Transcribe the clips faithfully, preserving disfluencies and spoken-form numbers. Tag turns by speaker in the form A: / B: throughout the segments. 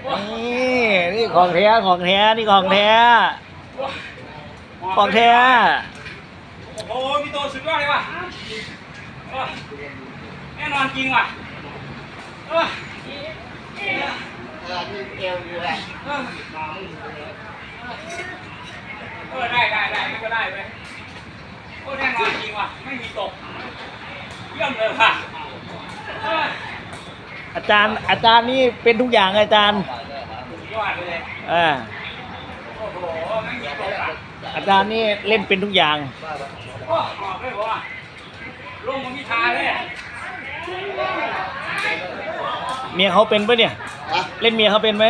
A: นี่นี่ของแท้ของแท้นี่ของแท้ของแท้
B: โอ้โหพี่โตสุดยอดเลยว่ะแน่นอนจริงว่ะเออ
C: เออมีเอวอยู่แหละ
B: เออได้ได้ได้ไม่ก็ได้ไปโอ้แน่นอนจริงว่ะไม่มีตกเยี่ยมเลยว่ะ
A: อาจารย์อาจารย์นี่เป็นทุกอย่างอาจารย์
B: ยอดเลย
A: อ่า
B: โอ้โหไม่มีตกอ่ะ
A: อาจารย์นี่เล่นเป็นทุกอย่าง
B: โอ้บอกเลยว่าลงมันมีทาเลย
A: เมียเขาเป็นปะเนี่ยเล่นเมียเขาเป็นไหม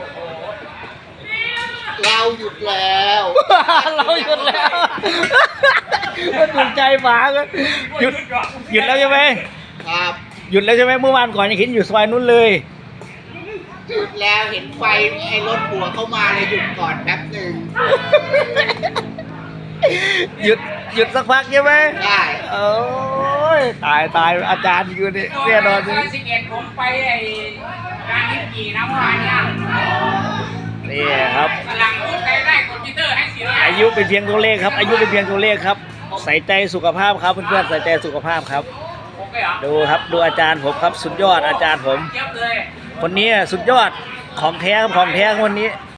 C: เราหยุดแล้ว
A: เราหยุดแล้วก็ถูกใจหมาก็หยุดหยุดแล้วใช่ไหม
C: ครับ
A: หยุดแล้วใช่ไหมเมื่อวานก่อนยังเห็นอยู่ซอยนู้นเลย
C: หยุดแล้วเห็นไฟไอ้รถหัวเข้ามาเลยหยุดก่อนแป๊บหนึ่ง
A: หยุดหยุดสักพักใช่ไหม
C: ได้
A: โอ้ยตายตายอาจารย์อยู่นี่แน่นอนสิ
B: สิบเอ็ดผมไปไอ้การนิ้วกี่น้ำวานเนี่ย
A: นี่ครับ
B: กำลังพูดได้คอมพิวเตอร์ให้สิ
A: อายุเป็นเพียงตัวเลขครับอายุเป็นเพียงตัวเลขครับใส่ใจสุขภาพครับเพื่อนๆใส่ใจสุขภาพครับดูครับดูอาจารย์ผมครับสุดยอดอาจารย์ผมคนนี้สุดยอดของแท้ของแท้คนนี้